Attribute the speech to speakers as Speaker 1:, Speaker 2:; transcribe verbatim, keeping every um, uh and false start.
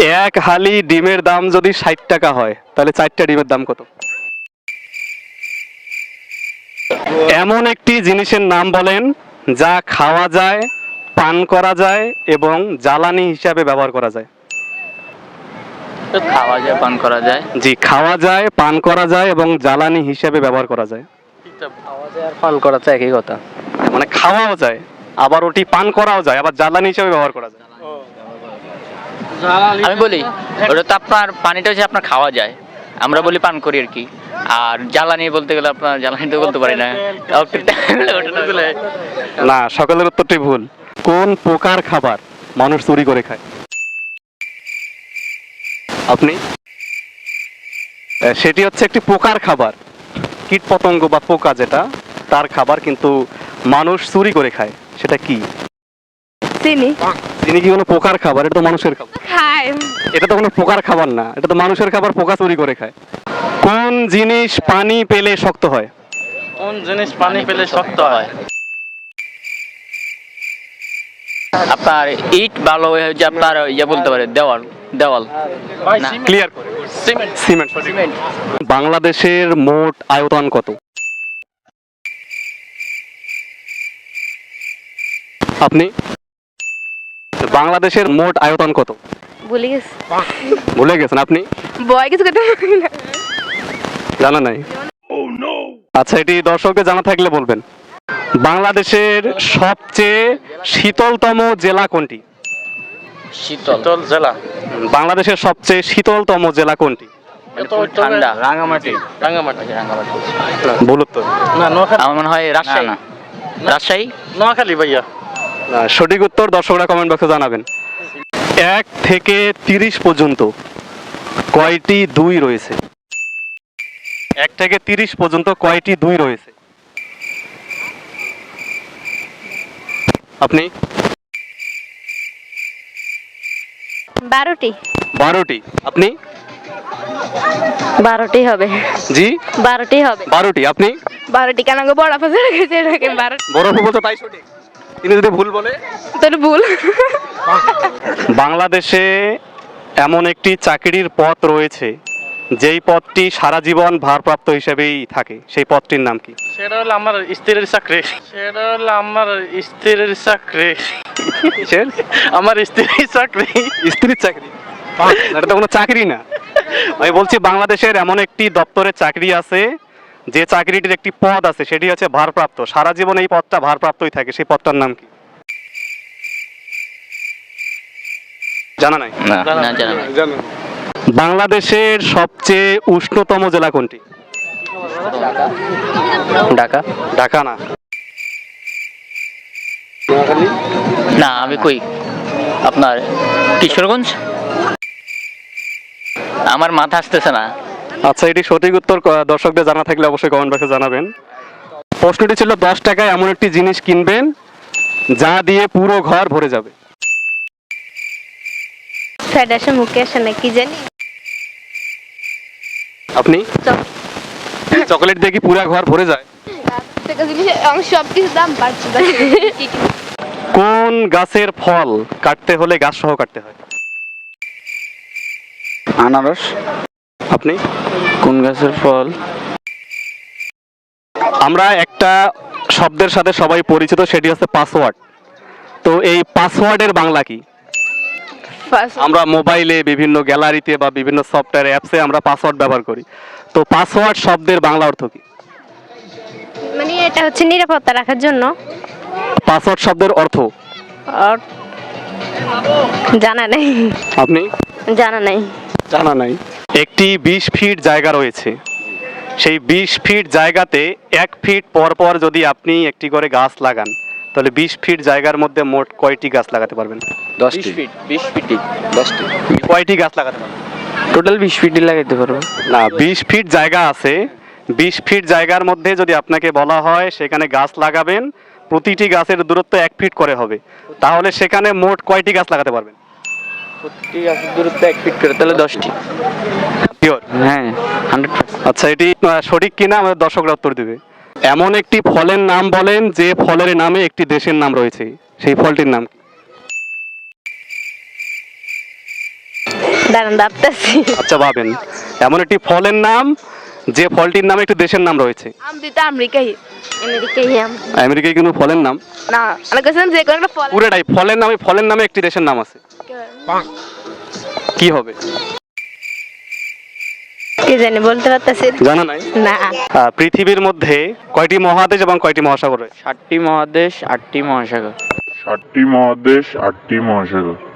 Speaker 1: এক হালি ডিমের দাম যদি ষাট টাকা হয় তাহলে চারটা ডিমের দাম কত? এমন একটি জিনিসের নাম বলেন যা খাওয়া যায়, পান করা যায় এবং জ্বালানি হিসাবে ব্যবহার করা যায়।
Speaker 2: খাওয়া যায়, পান করা যায়।
Speaker 1: জি, খাওয়া যায়, পান করা যায় এবং জ্বালানি হিসাবে ব্যবহার করা যায়।
Speaker 3: খাওয়া যায় আর পান করা যায় একই কথা।
Speaker 1: মানে খাওয়াও যায়, আবার ওটি পান করাও যায়, আবার জ্বালানি হিসাবে ব্যবহার করা যায়।
Speaker 2: আমি বলি ওটা তো আপনার পানিটা হচ্ছে আপনার খাওয়া যায়, আমরা বলি পান করি আর কি। আর জ্বালানি বলতে গেলে আপনার জ্বালানি তো বলতে পারি না।
Speaker 1: না, সকলের উত্তরটি ভুল। কোন প্রকার খাবার মানুষ চুরি করে খায়? আপনি? সেটি হচ্ছে একটি পোকার খাবার, কীট পতঙ্গ বা পোকা যেটা, তার খাবার, কিন্তু মানুষ চুরি করে খায়। সেটা কি?
Speaker 4: চিনি
Speaker 1: চিনি কি কোনো পোকার খাবার? এটা তো মানুষের খাবার।
Speaker 4: খায়।
Speaker 1: এটা তো কোনো পোকার খাবার না, এটা তো মানুষের খাবার, পোকা চুরি করে খায়। কোন জিনিস পানি পেলে শক্ত হয়?
Speaker 3: কোন জিনিস পানি পেলে শক্ত হয়?
Speaker 2: আপনার ইট ভালো হয়ে যে আপনার ইয়ে বলতে পারে দেওয়াল। দেওয়াল না,
Speaker 1: ক্লিয়ার করে।
Speaker 3: সিমেন্ট।
Speaker 1: সিমেন্ট।
Speaker 2: সিমেন্ট।
Speaker 1: বাংলাদেশের মোট আয়তন কত? আপনি? বাংলাদেশের মোট আয়তন কত?
Speaker 4: ভুলে গেছি।
Speaker 1: ভুলে গেছেন আপনি?
Speaker 4: বয় কিছু করতে পারি না।
Speaker 1: জানা নাই? আচ্ছা, এটি দর্শকদের জানা থাকলে বলবেন। বাংলাদেশের সবচেয়ে শীতলতম জেলা কোনটি?
Speaker 2: শীতল
Speaker 3: শীতল জেলা।
Speaker 1: বাংলাদেশের সবচেয়ে শীতলতম জেলা কোনটি?
Speaker 2: ঠান্ডা। রাঙামাটি।
Speaker 3: রাঙ্গামাটি।
Speaker 2: রাঙামাটি।
Speaker 1: ভুল উত্তর।
Speaker 3: না, নোয়াখালী।
Speaker 2: আমার মনে হয় রাজশাহী। রাজশাহী।
Speaker 3: নোয়াখালী ভাইয়া।
Speaker 1: না, সঠিক উত্তর দর্শকরা কমেন্ট বক্সে জানাবেন। এক থেকে তিরিশ পর্যন্ত কয়টি দুই রয়েছে? এক থেকে তিরিশ পর্যন্ত কয়টি দুই রয়েছে? আপনি?
Speaker 4: বারোটি।
Speaker 1: বারোটি। আপনি?
Speaker 4: বারোটি হবে।
Speaker 1: জি,
Speaker 4: বারোটি হবে।
Speaker 1: বারোটি। আপনি?
Speaker 4: বারোটি কেন গো, বড় ফসল গেছে এটাকে বারো।
Speaker 1: বড় বলতে তাই সঠিক, তিনি যদি ভুল বলে।
Speaker 4: তোর ভুল।
Speaker 1: বাংলাদেশে এমন একটি চাকরির পদ রয়েছে যেই পদটি সারা জীবন ভারপ্রাপ্ত হিসেবেই থাকে, সেই পদটির নাম কি?
Speaker 3: সেটা হলো আমার স্ত্রীর চাকরি। সেটা হলো আমার স্ত্রীর চাকরি।
Speaker 1: কিসের?
Speaker 3: আমার স্ত্রীর চাকরি।
Speaker 1: স্ত্রীর চাকরি? না, এটা তো কোনো চাকরি না। আমি বলছি বাংলাদেশের এমন একটি দপ্তরে চাকরি আছে যে চাকরিটির একটি পদ আছে, সেটি হচ্ছে ভারপ্রাপ্ত, সারা জীবন এই পদটা ভারপ্রাপ্তই থাকে, সেই পদটার নাম কি? জানা নাই?
Speaker 2: না, না জানা নাই।
Speaker 1: বাংলাদেশের সবচেয়ে উষ্ণতম জেলা কোনটি?
Speaker 2: ঢাকা।
Speaker 1: ঢাকা না।
Speaker 2: না, আমি কই আপনার কিশোরগঞ্জ। আমার মাথা আসতেছে না।
Speaker 1: আচ্ছা, এটি সঠিক উত্তর দর্শকদের জানা থাকলে অবশ্যই কমেন্ট বক্সে জানাবেন। প্রশ্নটি ছিল দশ টাকায় এমন একটি জিনিস কিনবেন যা দিয়ে পুরো ঘর ভরে যাবে।
Speaker 4: ফেডাসে মুখে আসে না, কি জানি।
Speaker 1: আপনি? চকলেট দিয়ে কি পুরো ঘর ভরে যায়?
Speaker 4: সব কিছু দাম বাড়ছে।
Speaker 1: কোন গাছের ফল কাটতে হলে গাছ সহ কাটতে হয়?
Speaker 5: আনারস।
Speaker 1: আপনি?
Speaker 5: কোন গাছের ফল?
Speaker 1: আমরা একটা শব্দের সাথে সবাই পরিচিত, সেটি হচ্ছে পাসওয়ার্ড। তো এই পাসওয়ার্ডের বাংলা কি? আমরা মোবাইলে বিভিন্ন গ্যালারিতে বা বিভিন্ন সফটওয়্যার অ্যাপসে আমরা পাসওয়ার্ড ব্যবহার করি। তো পাসওয়ার্ড শব্দের বাংলা অর্থ কি?
Speaker 4: মানে এটা হচ্ছে নিরাপত্তা রাখার জন্য।
Speaker 1: পাসওয়ার্ড শব্দের অর্থ
Speaker 4: আর জানা নেই।
Speaker 1: আপনি?
Speaker 4: জানা নেই।
Speaker 1: জানা নাই। একটি বিশ ফিট জায়গা রয়েছে, সেই বিশ ফিট জায়গাতে এক ফিট পর পর যদি আপনি একটি করে গাছ লাগান তাহলে বিশ ফিট জায়গার মধ্যে মোট কয়টি গাছ লাগাতে পারবেন?
Speaker 5: দশটি।
Speaker 2: বিশ ফিট।
Speaker 5: দশটি।
Speaker 1: কয়টি গাছ লাগাতে পারবেন?
Speaker 5: টোটাল বিশ ফিটই লাগাইতে পারবো।
Speaker 1: না, বিশ ফিট জায়গা আছে, বিশ ফিট জায়গার মধ্যে যদি আপনাকে বলা হয় সেখানে গাছ লাগাবেন, প্রতিটি গাছের দূরত্ব এক ফিট করে হবে, তাহলে সেখানে মোট কয়টি গাছ লাগাতে পারবেন?
Speaker 5: প্রতিটি গাছের দূরত্ব এক ফিট করে, তাহলে দশটি।
Speaker 1: শিওর?
Speaker 5: হ্যাঁ, হান্ড্রেড।
Speaker 1: আচ্ছা, এটি আহ, সঠিক কিনা আমাদের দর্শকরা উত্তর দিবে। এমন একটি ফলের নাম বলেন যে ফলের নামে একটি দেশের নাম রয়েছে, সেই ফলটির নাম কি?
Speaker 4: দাঁড়ান ভাবতেছি।
Speaker 1: আচ্ছা ভাবেন, এমন একটি ফলের নাম যে ফলটির নামে একটি দেশের নাম রয়েছে।
Speaker 6: আম দিতে আমেরিকাই
Speaker 4: আমেরিকাই আম।
Speaker 1: আমেরিকায় কিন্তু ফলের নাম
Speaker 6: না আমার কাছে যে কোনো একটা ফল
Speaker 1: পুরোটাই ফলের নামে, ফলের নামে একটি দেশের নাম আছে, কি হবে?
Speaker 4: কি জানি বলতে পারতেছি
Speaker 1: জানা নাই?
Speaker 4: না।
Speaker 1: আহ, পৃথিবীর মধ্যে কয়টি মহাদেশ এবং কয়টি মহাসাগর রয়েছে?
Speaker 5: ষাটটি মহাদেশ, আটটি মহাসাগর।
Speaker 7: সাতটি মহাদেশ, আটটি মহাসাগর।